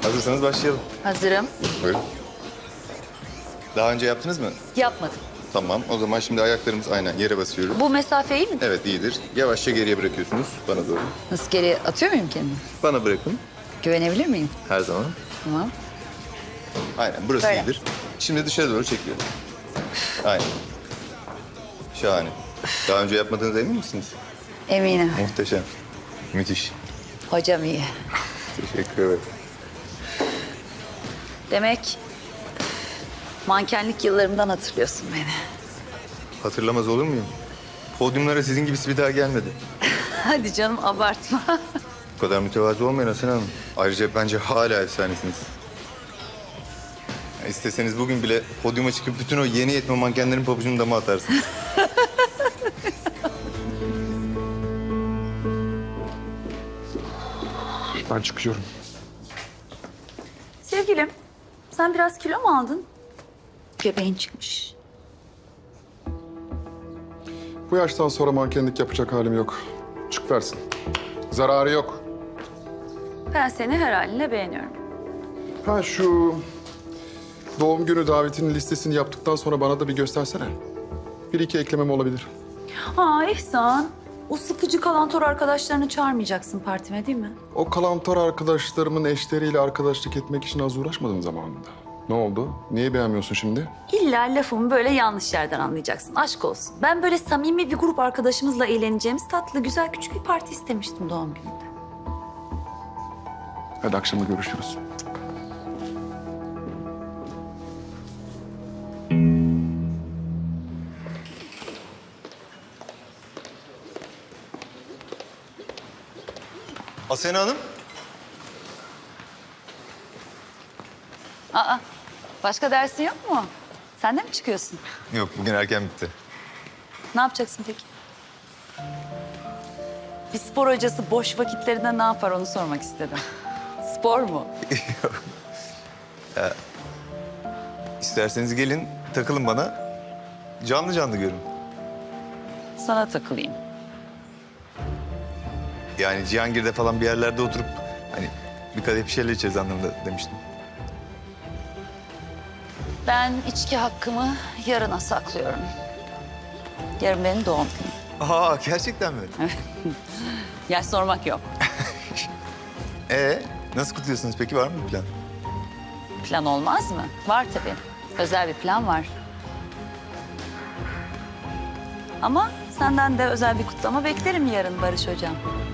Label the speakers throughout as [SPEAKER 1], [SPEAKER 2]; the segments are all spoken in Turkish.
[SPEAKER 1] Hazırsanız başlayalım.
[SPEAKER 2] Hazırım.
[SPEAKER 1] Buyurun. Daha önce yaptınız mı?
[SPEAKER 2] Yapmadım.
[SPEAKER 1] Tamam. O zaman şimdi ayaklarımız aynen yere basıyoruz.
[SPEAKER 2] Bu mesafe iyi mi?
[SPEAKER 1] Evet, iyidir. Yavaşça geriye bırakıyorsunuz bana doğru.
[SPEAKER 2] Nasıl geri atıyor muyum kendimi?
[SPEAKER 1] Bana bırakın.
[SPEAKER 2] Güvenebilir miyim?
[SPEAKER 1] Her zaman.
[SPEAKER 2] Tamam.
[SPEAKER 1] Aynen. Burası
[SPEAKER 2] Böyle.
[SPEAKER 1] iyidir. Şimdi dışarı doğru çekiyorum. Aynen. Şahane. Daha önce yapmadığınıza emin misiniz?
[SPEAKER 2] Eminim.
[SPEAKER 1] Muhteşem. Müthiş.
[SPEAKER 2] Hocam iyi.
[SPEAKER 1] Teşekkür ederim.
[SPEAKER 2] Demek mankenlik yıllarımdan hatırlıyorsun beni.
[SPEAKER 1] Hatırlamaz olur muyum? Podyumlara sizin gibisi bir daha gelmedi.
[SPEAKER 2] Hadi canım abartma.
[SPEAKER 1] Bu kadar mütevazı olmayın Hasan Hanım. Ayrıca bence hala efsanesiniz. Ya İsteseniz bugün bile podyuma çıkıp bütün o yeni yetme mankenlerin pabucunu dama atarsınız.
[SPEAKER 3] Ben çıkıyorum.
[SPEAKER 2] Sevgilim, sen biraz kilo mu aldın? Göbeğin çıkmış.
[SPEAKER 3] Bu yaştan sonra mankenlik yapacak halim yok. Çık versin. Zararı yok.
[SPEAKER 2] Ben seni her haline beğeniyorum.
[SPEAKER 3] Ha şu doğum günü davetinin listesini yaptıktan sonra bana da bir göstersene. Bir iki eklemem olabilir.
[SPEAKER 2] Ha İhsan, o sıkıcı kalantor arkadaşlarını çağırmayacaksın partime değil mi?
[SPEAKER 3] O kalantor arkadaşlarımın eşleriyle arkadaşlık etmek için az uğraşmadım zamanında. Ne oldu? Niye beğenmiyorsun şimdi?
[SPEAKER 2] İlla lafımı böyle yanlış yerden anlayacaksın. Aşk olsun. Ben böyle samimi bir grup arkadaşımızla eğleneceğimiz tatlı, güzel, küçük bir parti istemiştim doğum gününde.
[SPEAKER 3] Hadi akşama görüşürüz.
[SPEAKER 1] Asena Hanım.
[SPEAKER 2] Aa, başka dersin yok mu? Sen de mi çıkıyorsun?
[SPEAKER 1] Yok, bugün erken bitti.
[SPEAKER 2] Ne yapacaksın peki? Bir spor hocası boş vakitlerinde ne yapar onu sormak istedim. Spor mu?
[SPEAKER 1] İsterseniz gelin, takılın bana. Canlı canlı görün.
[SPEAKER 2] Sana takılayım.
[SPEAKER 1] Yani Cihangir'de falan bir yerlerde oturup hani bir kadeh bir şeyler içeriz anlamında demiştim.
[SPEAKER 2] Ben içki hakkımı yarına saklıyorum. Yarın benim doğum günüm.
[SPEAKER 1] Aa, gerçekten mi?
[SPEAKER 2] Yaş sormak yok.
[SPEAKER 1] Nasıl kutluyorsunuz peki? Var mı bir plan?
[SPEAKER 2] Plan olmaz mı? Var tabii. Özel bir plan var. Ama senden de özel bir kutlama beklerim yarın Barış Hocam.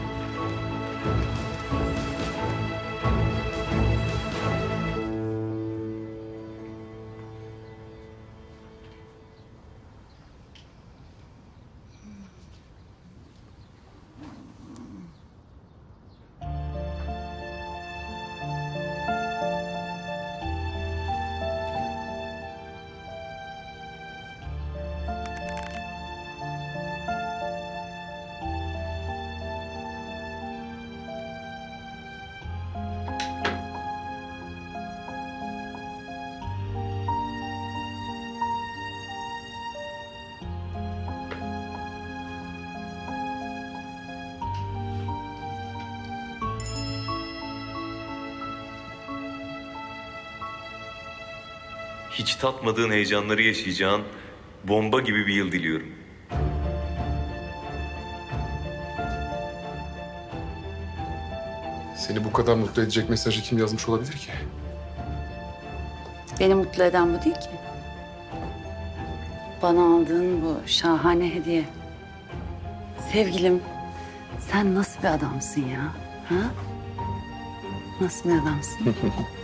[SPEAKER 4] Hiç tatmadığın heyecanları yaşayacağın bomba gibi bir yıl diliyorum.
[SPEAKER 3] Seni bu kadar mutlu edecek mesajı kim yazmış olabilir ki?
[SPEAKER 2] Beni mutlu eden bu değil ki. Bana aldığın bu şahane hediye. Sevgilim, sen nasıl bir adamsın ya? Ha? Nasıl bir adamsın?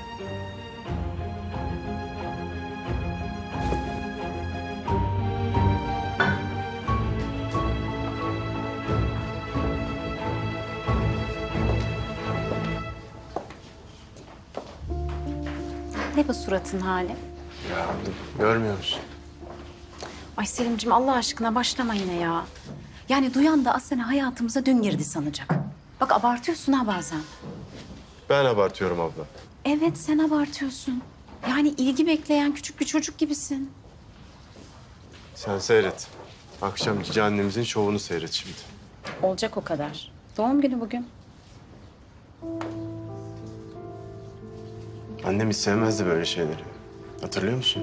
[SPEAKER 5] Ne bu suratın hali?
[SPEAKER 6] Ya görmüyor musun?
[SPEAKER 5] Ay Selimciğim Allah aşkına başlama yine ya. Yani duyan da Asena hayatımıza dün girdi sanacak. Bak abartıyorsun ha bazen.
[SPEAKER 6] Ben abartıyorum abla.
[SPEAKER 5] Evet sen abartıyorsun. Yani ilgi bekleyen küçük bir çocuk gibisin.
[SPEAKER 6] Sen seyret. Akşam cici annemizin şovunu seyret şimdi.
[SPEAKER 5] Olacak o kadar. Doğum günü bugün.
[SPEAKER 6] Annem hiç sevmezdi böyle şeyleri. Hatırlıyor musun?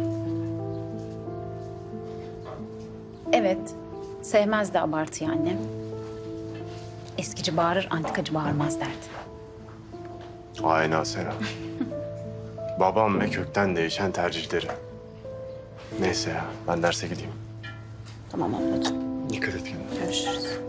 [SPEAKER 5] Evet, sevmezdi abartıyı annem. Eskici bağırır, antikacı bağırmaz derdi.
[SPEAKER 6] Aynen Sera. Babam ve kökten değişen tercihleri. Neyse ya, ben derse gideyim.
[SPEAKER 5] Tamam ablacığım,
[SPEAKER 6] Dikkat et kendine.
[SPEAKER 5] görüşürüz.